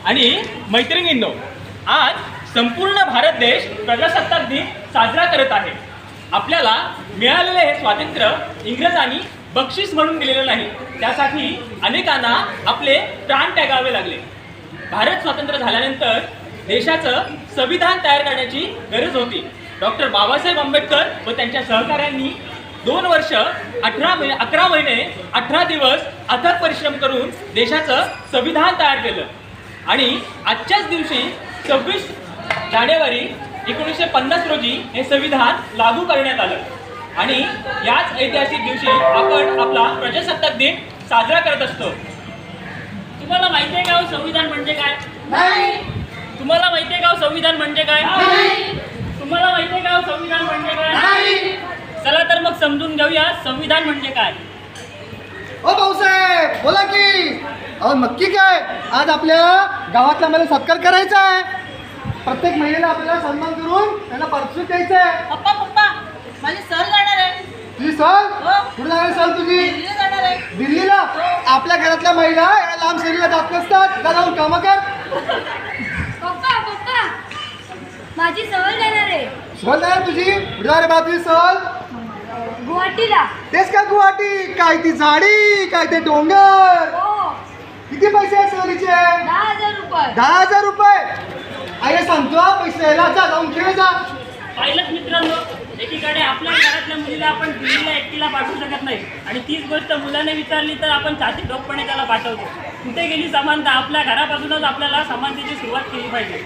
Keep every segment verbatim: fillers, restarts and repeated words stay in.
आणि मैत्रिणींनो, आज संपूर्ण भारत देश प्रजासत्ताक दिन साजरा करत आहे. आपल्याला मिळालेले हे स्वातंत्र्य इंग्रजांनी बक्षीस म्हणून दिलेलं नाही, त्यासाठी अनेकांना आपले प्राण त्यागावे लागले. भारत स्वतंत्र झाल्यानंतर देशाचं संविधान तयार करण्याची गरज होती. डॉक्टर बाबासाहेब आंबेडकर व त्यांच्या सहकाऱ्यांनी दोन वर्ष अठरा महिने अकरा महिने अठरा दिवस अथक परिश्रम करून देशाचं संविधान तयार केलं आणि आजच्याच दिवशी सव्वीस जानेवारी एकोणीसशे पन्नास रोजी हे संविधान लागू करण्यात आलं. आणि याच ऐतिहासिक दिवशी आपण आपला प्रजासत्ताक दिन साजरा करत असतो. तुम्हाला माहिती आहे का हो संविधान म्हणजे काय? नाही. तुम्हाला माहिती आहे का हो संविधान म्हणजे काय? नाही. तुम्हाला माहिती आहे का हो संविधान म्हणजे काय? नाही. चला तर मग समजून घेऊया संविधान म्हणजे काय. ओ भाऊसाहेब बोला की. अहो नक्की काय, आज आपल्या गावातला मला सत्कार करायचा आहे. प्रत्येक महिलेला आपल्याला सन्मान करून त्यांना पारितोषिक द्यायचं आहे. पप्पा पप्पा माझी सहल जाणार आहे. तुझी सहल हो. कुठे जाणार सहल तुझी? दिल्लीला जाणार आहे. दिल्लीला? आपल्या घरातल्या महिला या लांब सहलीला जात नसतात. जा जाऊन कामं कर. पप्पा पप्पा माझी सहल जाणार आहे सहल जाणार तुझी? कुठे जाणार बा तुझी सहल? गुवाहाटीला. तेच का गुवाहाटी? काय ती झाडी, काय ते डोंगर. हो किती पैसे आहेत सहलीचे? दहा हजार रुपये. दहा हजार रुपये. आई सांगतो हा, पैसे द्यायला जा, जाऊन खेळ जा. पाहिलंच मित्रांनो, एकीकडे आपल्या घरातल्या मुलीला आपण दिल्लीला एकटीला पाठवू शकत नाही आणि तीच गोष्ट मुलाने विचारली तर आपण छाती ठोकपणे त्याला पाठवतो. कुठे गेली समानता? आपल्या घरापासूनच आपल्याला समानतेची सुरुवात केली पाहिजे.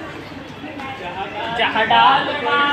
जहाँ डाल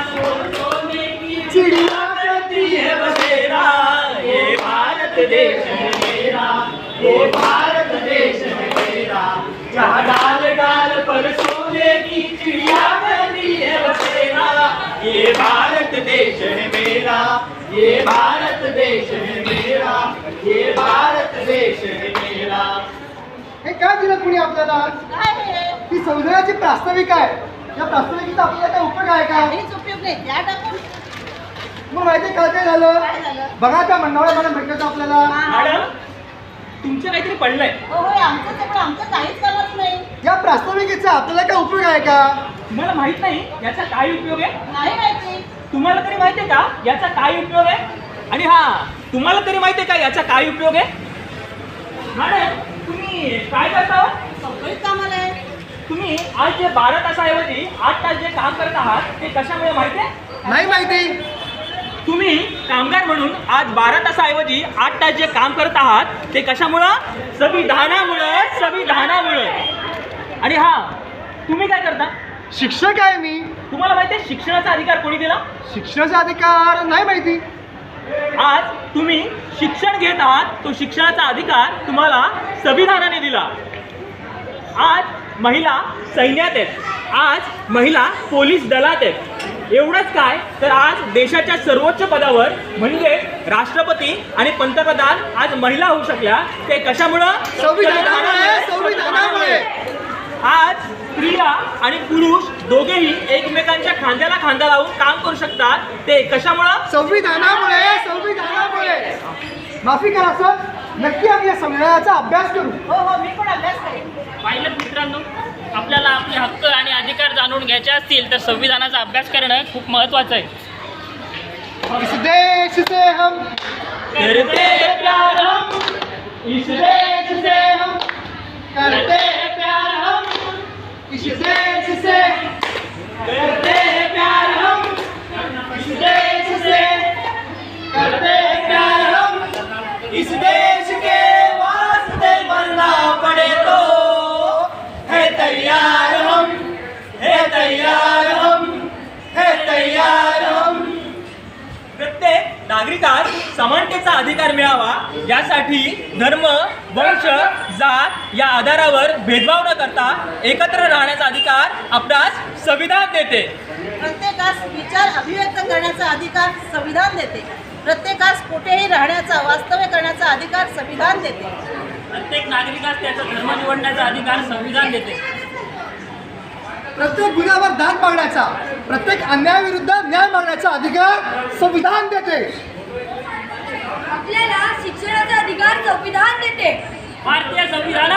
चिडिया करती है बसेरा, ये भारत देश है मेरा, ये भारत देश है मेरा. जहाँ डाल डाल पर सोने की चिड़िया करती है बसेरा, ये भारत देश है मेरा, ये भारत देश है मेरा, ये भारत देश है मेरा. हे काय दिलं कुणी आपल्याला? काय हे? ती संविधानाची प्रास्ताविक आहे. या प्रास्ताविकेचा आपल्याला काय उपयोग आहे का? काहीच उपयोग नाही. द्या टाकून. मग माहिती काय काय झालं? काय झालं? बघा त्या मंडळाला मला भेटलं आपल्याला. मॅडम, तुमचं काहीतरी पडलंय. हो होय आमचं सगळं आमचं काहीच करत नाही. या प्रास्ताविकेचा आपल्याला काय उपयोग आहे का? तुम्हाला माहित नाही याचा काय उपयोग आहे? नाही माहिती. तुम्हाला तरी माहिती आहे का याचा काय उपयोग आहे? आणि हा, तुम्हाला तरी माहिती आहे का याचा काय उपयोग आहे? मॅडम, तुम्ही काय करता? सगळीच कामाला आहे. तुम्ही आज जे बारा तासाऐवजी आठ तास जे काम करत आहात ते कशामुळे माहिती आहे? नाही माहिती. तुम्ही कामगार म्हणून आज बारा तासाऐवजी आठ तास जे काम करत आहात ते कशामुळं? संविधानामुळं, संविधानामुळं. आणि हा, तुम्ही काय करता? शिक्षक आहे मी. तुम्हाला माहिती आहे शिक्षणाचा अधिकार कोणी दिला? शिक्षणाचा अधिकार नाही माहिती. आज तुम्ही शिक्षण घेत आहात, तो शिक्षणाचा अधिकार तुम्हाला संविधानाने दिला. आज महिला सैन्यात आहेत, आज महिला पोलीस दलात आहेत. एवढंच काय तर आज देशाच्या सर्वोच्च पदावर म्हणजे राष्ट्रपती आणि पंतप्रधान आज महिला होऊ शकल्या. ते कशामुळं? संविधानामुळे. संविधानामुळे. आज स्त्रिया आणि पुरुष दोघेही एकमेकांच्या खांद्याला खांदा लावून काम करू शकतात. ते कशामुळं? संविधानामुळे. संविधानामुळे. माफी करा सर, नक्की आम्ही या संविधानाचा अभ्यास करू. हो हो मी पण अभ्यास करेन. पाहिलं मित्रांनो, आपल्याला आपले हक्क आणि अधिकार जाणून घ्यायचे असतील तर संविधानाचा अभ्यास करणं खूप महत्त्वाचं आहे. इस देश से हम करते हैं प्यार हम, इस देश से हम करते हैं प्यार हम, इस देश से करते हैं प्यार हम, इस देश से करते हैं प्यार हम, इस देश के वास्ते मरना पड़े तो है तैयार हम, है तैयार हम, है तैयार हम. प्रत्येक नागरिकास समानतेचा अधिकार मिळावा यासाठी धर्म, वंश, जात या आधारावर भेदभाव न करता एकत्र राहण्याचा अधिकार आपणास संविधान देते. प्रत्येकास विचार अभिव्यक्त करण्याचा अधिकार संविधान देते. प्रत्येकास कुठेही राहण्याचा, वास्तव्य करण्याचा अधिकार संविधान देते. प्रत्येक नागरिकास त्याचा धर्म निवडण्याचा अधिकार संविधान देते. प्रत्येक गुन्ह्यावर दाद मागण्याचा, प्रत्येक अन्यायाविरुद्ध न्याय मागण्याचा अधिकार संविधान देते. आपल्याला शिक्षणाचा अधिकार संविधान देते. भारतीय संविधान